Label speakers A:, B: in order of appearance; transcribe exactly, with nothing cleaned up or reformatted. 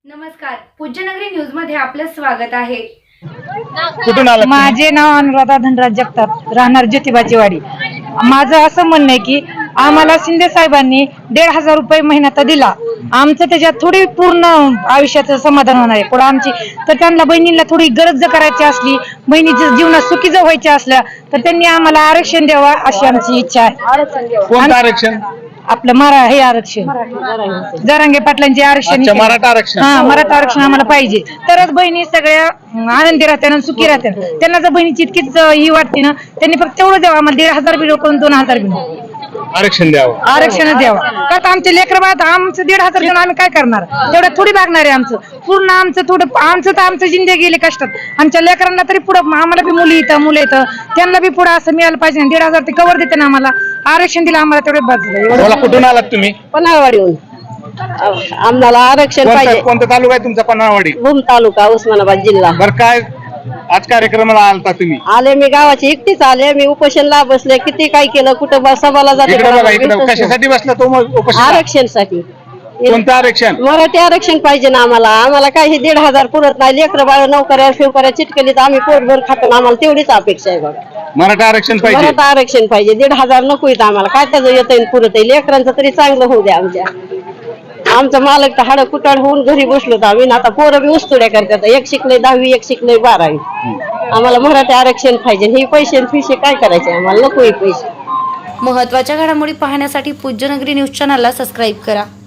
A: नमस्कार, पूज्यनगरी न्यूज मध्ये आपलं स्वागत आहे।
B: कुठून आलात?
C: माझे नाव अनुराधा धनराज जगताप, राहणार ज्योतिबाची वाडी। माझं असं म्हणणं आहे की आम्हाला शिंदे साहेबांनी दीड हजार रुपये महिना दिला, आमचं त्याच्यात थोडी पूर्ण आयुष्याचं समाधान होणार आहे पुढे आमची। तर त्यांना बहिणीला थोडी गरज जर करायची असली, बहिणीच्या जीवनात सुखी जर व्हायच्या असल्या तर त्यांनी आम्हाला आरक्षण द्यावा अशी आमची इच्छा आहे।
B: कोणतं आरक्षण?
C: आपलं मरा हे आरक्षण, जरांगे पाटलांचे आरक्षण,
B: मराठा आरक्षण।
C: हा, मराठा आरक्षण आम्हाला पाहिजे, तरच बहिणी सगळ्या आनंदी राहत्या आणि सुखी राहत्या। त्यांना जर बहिणीची इतकीच ही वाटते ना, त्यांनी फक्त तेवढं द्यावं, आम्हाला दीड हजार बी नको दोन हजार बी नको,
B: आरक्षण द्यावं,
C: आरक्षण द्यावं। का आमचे लेकर बाळ आमचं दीड हजार देऊन आम्ही काय करणार? तेवढं थोडी भागणार आहे आमचं पूर्ण, आमचं थोडं आमचं तर आमचं जिंदगी गेली कष्टात, आमच्या लेकरांना तरी पुढं, आम्हाला बी मुली येतं मुलं येतं, त्यांना बी पुढं असं मिळालं पाहिजे। दीड हजार ते कवर देते ना आम्हाला, आरक्षण दिलं आम्हाला तेवढे बाजूला।
B: कुठून आलात तुम्ही?
D: पन्हाळवाडीहून आम्हाला आरक्षण पाहिजे।
B: कोणता तालुका आहे तुमचा? पन्हाळवाडी,
D: भूम तालुका, उस्मानाबाद जिल्हा।
B: बरं, काय आज कार्यक्रमाला आलता तुम्ही?
D: आले मी गावाची एकटीच आले, मी उपोषणला बसले, किती काय केलं, कुठं ब- सभाला जाते,
B: इकडे बघा, इकडे कशासाठी बसला तो मग उपोषणाला?
D: आरक्षणसाठी।
B: कोणतं आरक्षण?
D: मराठी आरक्षण पाहिजे ना आम्हाला। आम्हाला काय हे दीड हजार पुरत नाही, लेकर बाळ नोकऱ्या शिवकऱ्या चिटकलीत आम्ही पोटभर खातो, आम्हाला तेवढीच अपेक्षा आहे बघा।
B: मराठा आरक्षण पाहिजे,
D: मराठा आरक्षण पाहिजे, दीड हजार नको येत आम्हाला, काय त्याचं येतं पुरत आहे, लेकरांचं तरी चांगलं होऊ द्या आमच्या। आमचं मालक तर हाडं कुटाड होऊन घरी बसलो तर आम्ही, आता पोरं बी उस्तुड्या करतात, एक शिकले दहावी, एक शिकले बारावी। आम्हाला मराठी आरक्षण पाहिजे, हे पैसे फिशे काय करायचे आम्हाला, नको हे पैसे।
A: महत्त्वाच्या घडामोडी पाहण्यासाठी पूज्यनगरी न्यूज चॅनलला सबस्क्राईब करा।